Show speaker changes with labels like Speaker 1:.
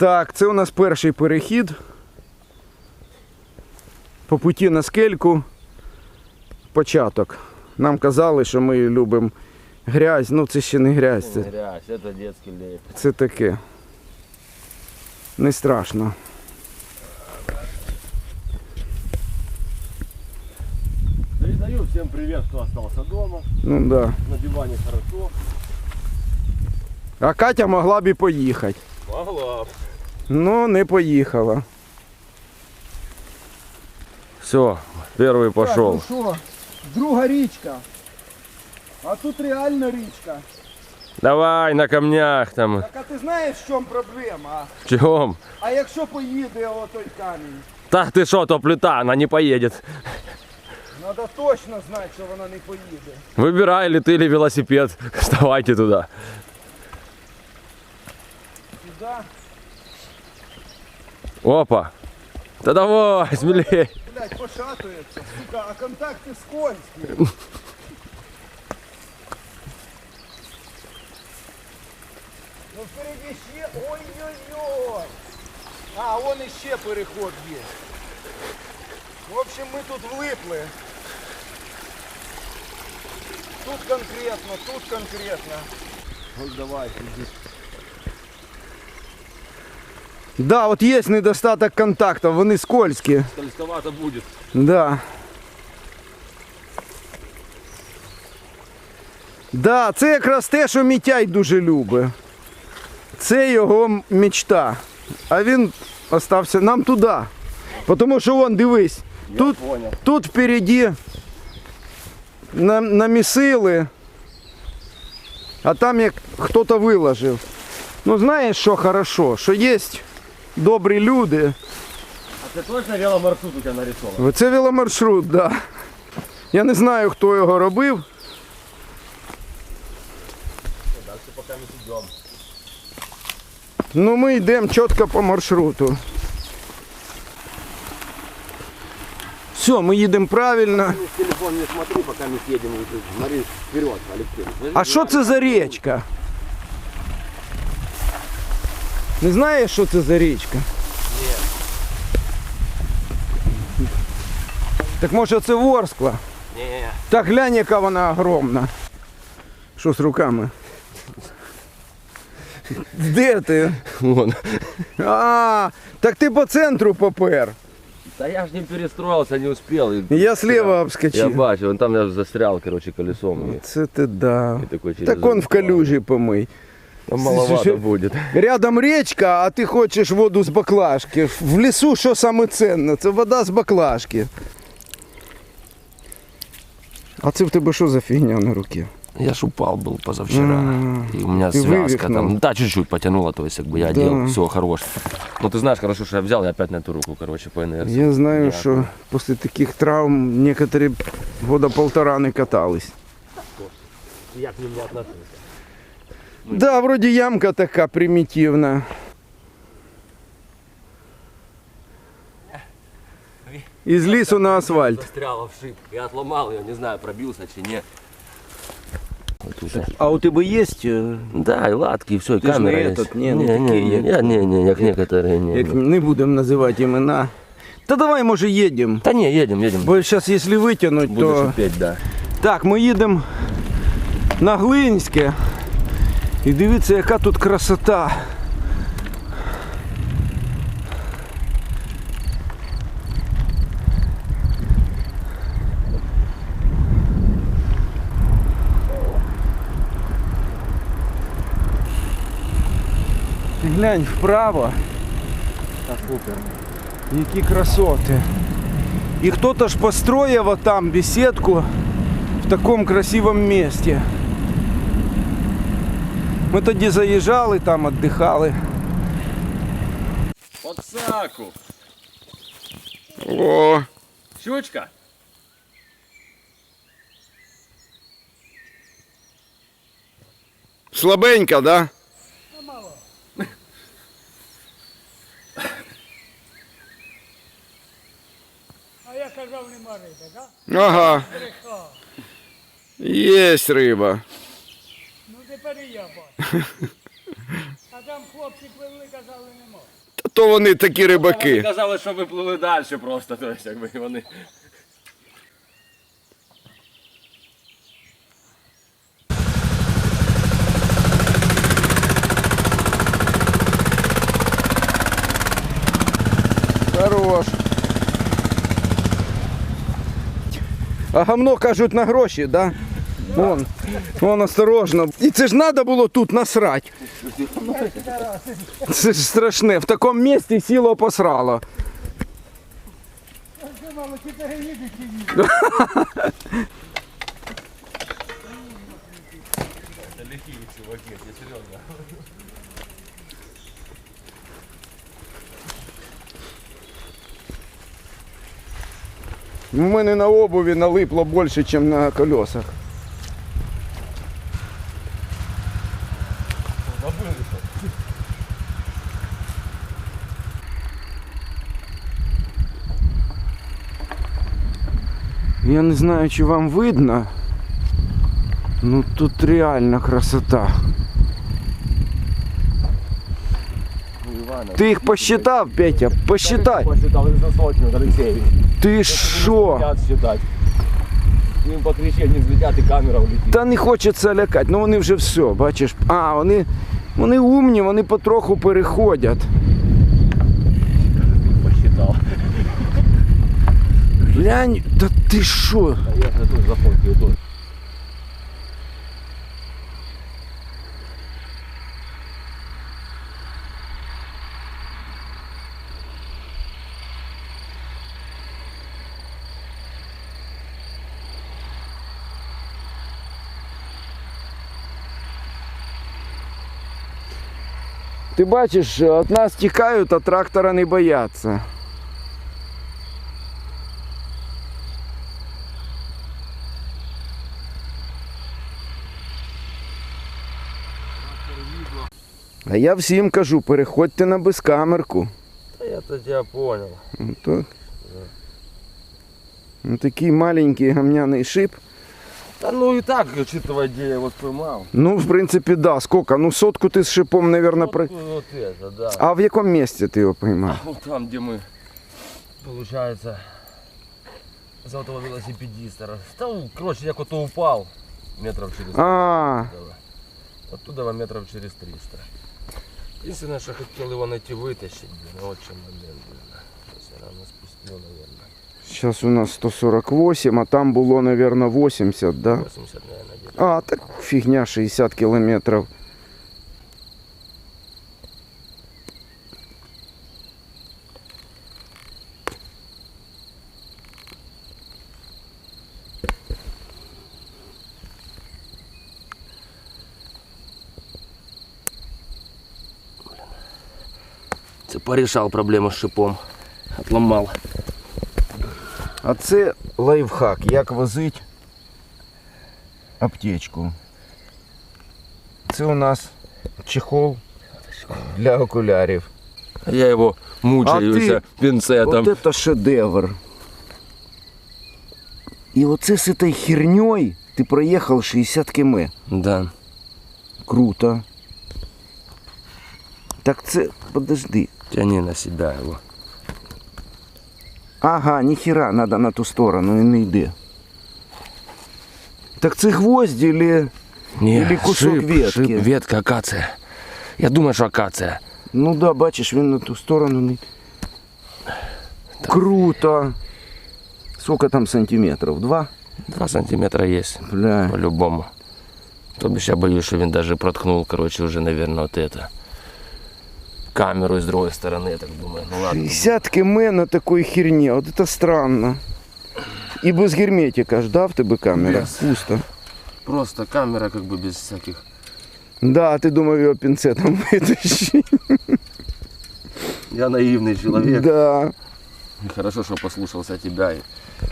Speaker 1: Так, це у нас перший перехід. По путі на скельку. Початок. Нам казали, що ми любимо грязь. Ну це ще не грязь.
Speaker 2: Це грязь, це дитячий лід.
Speaker 1: Це таке. Не страшно.
Speaker 2: Передаю всем привет, кто остался дома.
Speaker 1: Ну да.
Speaker 2: На диване хорошо.
Speaker 1: А Катя могла б і поїхати.
Speaker 2: Могла.
Speaker 1: Ну, не поїхала.
Speaker 2: Все, первый пошел.
Speaker 1: Так, ну що, друга річка. А тут реально річка.
Speaker 2: Давай на камнях там.
Speaker 1: Так а ти знаєш, в чому проблема?
Speaker 2: В чем?
Speaker 1: А якщо поїде отой камінь?
Speaker 2: Да ты что, то плита, она не поедет.
Speaker 1: Треба точно знати, що вона не поїде.
Speaker 2: Выбирай, или ты, или велосипед. Вставайте туда.
Speaker 1: Сюди.
Speaker 2: Опа. Да давай, смелее.
Speaker 1: Блядь, пошатується. Сука, а контакти скользкі. Ну впереді ще. Ой-ой-ой. А, вон іще переход є. В общем, ми тут влипли. Тут конкретно, тут конкретно.
Speaker 2: Вот давай, иди.
Speaker 1: Да, от є недостаток контактів, вони скользкі.
Speaker 2: Скользковато будет.
Speaker 1: Да. Да, це якраз те, що Мітяй дуже любить. Це його мечта. А він остався нам туди. Тому що вон, дивись, тут впереді намісили, а там як хтось виложив. Ну знаєш, що хорошо, що є добрі люди.
Speaker 2: А ты точно веломаршрут у тебя нарисован?
Speaker 1: Це веломаршрут, так. Да. Я не знаю, хто його робив.
Speaker 2: Дальше пока не идем.
Speaker 1: Ну ми йдемо чітко по маршруту. Все, ми їдемо правильно.
Speaker 2: Телефон не смотри, пока мы едем. Смотри вперед, Алексей.
Speaker 1: А що це за річка? Не знаєш, що це за річка?
Speaker 2: Ні.
Speaker 1: Так може це Ворскла?
Speaker 2: Ні.
Speaker 1: Так глянь, яка вона огромна. Що з руками? Де ти?
Speaker 2: Вон.
Speaker 1: А, так ти по центру попер.
Speaker 2: Да я ж не перестроился, не успел.
Speaker 1: Я слева
Speaker 2: Я
Speaker 1: обскочив.
Speaker 2: бачу, вон там я застрял, короче, колесом.
Speaker 1: Це ти да.
Speaker 2: И такой через
Speaker 1: Так он в калюжі помий.
Speaker 2: Там маловато будет.
Speaker 1: Рядом річка, а ти хочеш воду з баклажки. В лісу що саме цінне? Це вода з баклажки. А це в тебе що за фігня на руці?
Speaker 2: Я ж упал был позавчера. И у меня
Speaker 1: Ты
Speaker 2: связка
Speaker 1: вывихнул.
Speaker 2: там. Да, чуть-чуть потянула, то есть как бы я одел, все, хорош. Но ты знаешь, хорошо, что я взял и опять на эту руку, короче, по инерции.
Speaker 1: Я знаю, що після таких травм некоторі года полтора не катались.
Speaker 2: Я к ним не отношусь.
Speaker 1: Да, вроде ямка така примітивна. Із лісу на асфальт.
Speaker 2: Застряла в шип. Я отломал ее, не знаю, пробился чи нет. Вот уже.
Speaker 1: А у тебе є?
Speaker 2: Да, и латки, и все, и
Speaker 1: Ты ж
Speaker 2: камера
Speaker 1: не
Speaker 2: есть.
Speaker 1: этот, не, ну такие,
Speaker 2: не, как некоторые, не.
Speaker 1: Як не будемо називати імена. Та давай, може, їдемо.
Speaker 2: Да не, едем.
Speaker 1: Бо зараз, якщо витягнути,
Speaker 2: Буду
Speaker 1: то...
Speaker 2: шипеть, да.
Speaker 1: Так, ми їдемо на Глинське. І дивіться, яка тут красота. Ти глянь вправо.
Speaker 2: Да, супер.
Speaker 1: Які красоти. І хто-то ж построїв там беседку в такому красивому місці. Ми тоді заїжджали, там віддихали.
Speaker 2: Подсаку.
Speaker 1: О,
Speaker 2: Щучка.
Speaker 1: слабенько, да?
Speaker 3: А я казав, нема риби, так?
Speaker 1: Ага,
Speaker 3: Брехав.
Speaker 1: є риба.
Speaker 3: Ну тепер і я бачу. А там хлопці пливли, казали, нема.
Speaker 1: То вони такі
Speaker 2: Вони
Speaker 1: рибаки.
Speaker 2: казали, що ви плили далі просто, то есть, якби вони.
Speaker 1: Хорош. А гамно, кажуть, на гроші, да? Вон осторожно. І це ж треба було тут насрать. Це ж страшне. В такому місці сіло посрало.
Speaker 3: Думали, чи переїдуть, чи ні.
Speaker 2: Це лихі чуваки, я серйозно.
Speaker 1: У мене на обуві налипло більше, ніж на колесах. Я не знаю, чи вам видно. Ну тут реально красота. Ти їх посчитав, Петя? Посчитай.
Speaker 2: Посчитав за сотню, Алексей.
Speaker 1: Ти що?
Speaker 2: Считать. Їм по крещенню взлетять і камера влетить.
Speaker 1: Та не хочеться лякати, ну вони вже все, бачиш. А, вони умні, вони потроху переходять.
Speaker 2: Посчитав.
Speaker 1: Глянь, та ти що?
Speaker 2: Я тут зафоткаю тут.
Speaker 1: Ти бачиш, від нас тікають, а трактора не бояться. А я всім кажу, переходьте на безкамерку.
Speaker 2: Та я то тебя понял.
Speaker 1: Так. Ну, такий маленький гамняний шип.
Speaker 2: Та ну і так, учитывая, где я его споймал.
Speaker 1: Ну, в принципі, да. Сколько? Ну, сотку ти з шипом, наверное, про...
Speaker 2: Вот это, да.
Speaker 1: А в якому місці ти його поймав?
Speaker 2: Вот там, где мы, получается, за этого велосипедиста. Там, короче, я куда-то упал метров через 300.
Speaker 1: А,
Speaker 2: Оттуда метров через 300. Единственное, что хотел его найти, вытащить, блин, вот в чем момент, блин. Сейчас я рано спустил, наверное.
Speaker 1: зараз у нас 148, а там було, наверное, 80, да?
Speaker 2: 80, наверное, где-то.
Speaker 1: А, так фігня, 60 кілометрів.
Speaker 2: Ты порешал проблему с шипом. Отломал.
Speaker 1: А це лайфхак, як возить аптечку. Це у нас чехол для окулярів.
Speaker 2: Я его мучаюся пинцетом.
Speaker 1: Вот это шедевр. І оце з этой херней ти проїхав 60 км.
Speaker 2: Да.
Speaker 1: Круто. Так це, подожди.
Speaker 2: Тяни на себя его.
Speaker 1: Ага, ніхера, надо на ту сторону і не йде. Так це гвозді или кусок ветки?
Speaker 2: Шип, ветка, акация. Я думаю, что акация.
Speaker 1: Ну да, бачиш, він на ту сторону не... Круто. Сколько там сантиметров? 2?
Speaker 2: 2 сантиметра есть.
Speaker 1: Бля.
Speaker 2: По-любому. То бишь я боюсь, что он даже проткнул, короче, уже, наверное, вот это. Камеру с другой стороны, я так думаю. Ну ладно.
Speaker 1: 60 км на такой херне, вот это странно. И без герметика ждав тебе камера?
Speaker 2: Без.
Speaker 1: Пусто.
Speaker 2: Просто камера как бы без всяких...
Speaker 1: Да, ты думав його пінцетом витащи.
Speaker 2: Я наивный человек.
Speaker 1: Да.
Speaker 2: Хорошо, что послушался тебя и